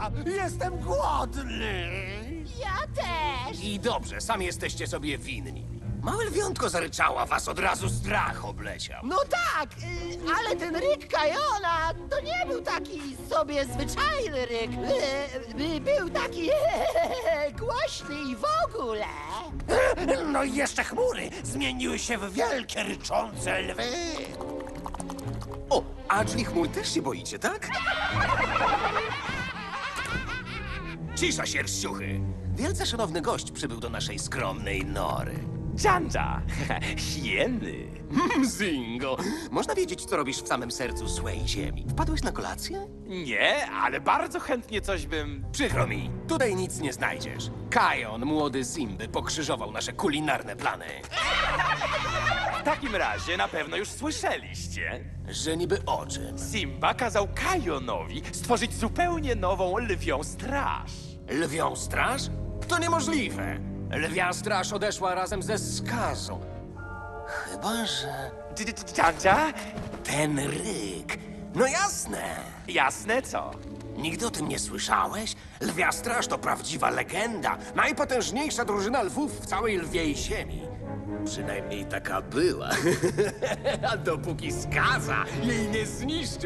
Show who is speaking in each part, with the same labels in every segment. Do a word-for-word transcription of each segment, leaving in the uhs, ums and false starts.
Speaker 1: Jestem głodny!
Speaker 2: Ja też!
Speaker 1: I dobrze, sami jesteście sobie winni. Małe lwiątko zaryczała, was od razu strach obleciał.
Speaker 2: No tak, y, ale ten ryk Kajona to nie był taki sobie zwyczajny ryk. Y, y, Był taki głośny i w ogóle.
Speaker 1: No i jeszcze chmury zmieniły się w wielkie, ryczące lwy.
Speaker 3: O, a czyli chmur też się boicie, tak?
Speaker 1: Cisza, sierściuchy. Wielce szanowny gość przybył do naszej skromnej nory.
Speaker 4: Janja! Hieny!
Speaker 1: Zingo, można wiedzieć, co robisz w samym sercu złej ziemi? Wpadłeś na kolację?
Speaker 4: Nie, ale bardzo chętnie coś bym...
Speaker 1: Przykro mi, tutaj nic nie znajdziesz. Kajon, młody Simby, pokrzyżował nasze kulinarne plany.
Speaker 4: W takim razie na pewno już słyszeliście.
Speaker 1: Że niby o czym?
Speaker 4: Simba kazał Kajonowi stworzyć zupełnie nową lwią straż.
Speaker 1: Lwią straż? To niemożliwe. Lwia straż odeszła razem ze skazą. Chyba, że
Speaker 4: Janja?
Speaker 1: ten ryk. No jasne.
Speaker 4: Jasne co?
Speaker 1: Nigdy o tym nie słyszałeś? Lwia straż to prawdziwa legenda. Najpotężniejsza drużyna lwów w całej lwiej ziemi. Przynajmniej taka była. A dopóki skaza jej nie zniszczył.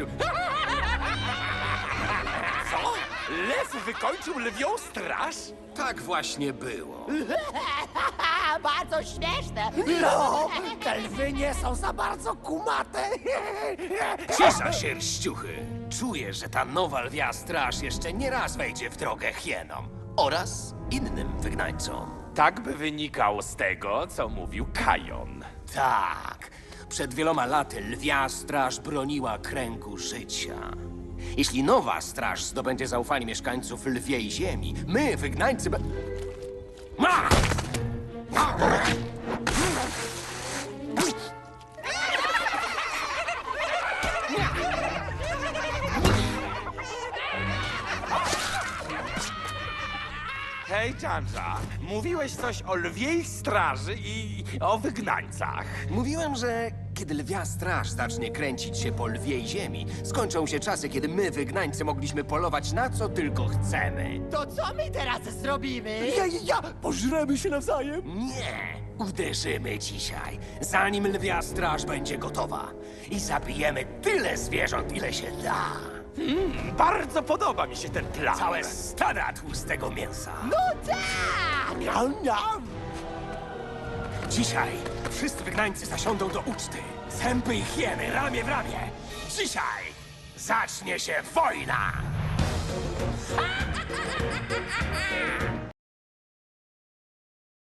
Speaker 4: Co? Lew wykończył lwią straż?
Speaker 1: Tak właśnie było.
Speaker 2: Bardzo śmieszne.
Speaker 1: No, te lwy nie są za bardzo kumate. Cisza, sierściuchy. Czuję, że ta nowa lwia straż jeszcze nie raz wejdzie w drogę hienom oraz innym wygnańcom.
Speaker 4: Tak by wynikało z tego, co mówił Kajon.
Speaker 1: Tak, przed wieloma laty lwia straż broniła kręgu życia. Jeśli nowa straż zdobędzie zaufanie mieszkańców lwiej ziemi, my, wygnańcy... Be... Ma!
Speaker 4: Hej, Janja, mówiłeś coś o lwiej straży i o wygnańcach.
Speaker 1: Mówiłem, że kiedy lwia straż zacznie kręcić się po lwiej ziemi, skończą się czasy, kiedy my, wygnańcy, mogliśmy polować na co tylko chcemy.
Speaker 2: To co my teraz zrobimy?
Speaker 1: Ja, ja, pożremy się nawzajem? Nie, uderzymy dzisiaj, zanim lwia straż będzie gotowa. I zabijemy tyle zwierząt, ile się da.
Speaker 4: Bardzo podoba mi się ten plan.
Speaker 1: Całe stada tłustego mięsa.
Speaker 2: No tak!
Speaker 1: Miam, miam. Dzisiaj wszyscy wygnańcy zasiądą do uczty. Zęby i hieny, ramię w ramię. Dzisiaj zacznie się wojna!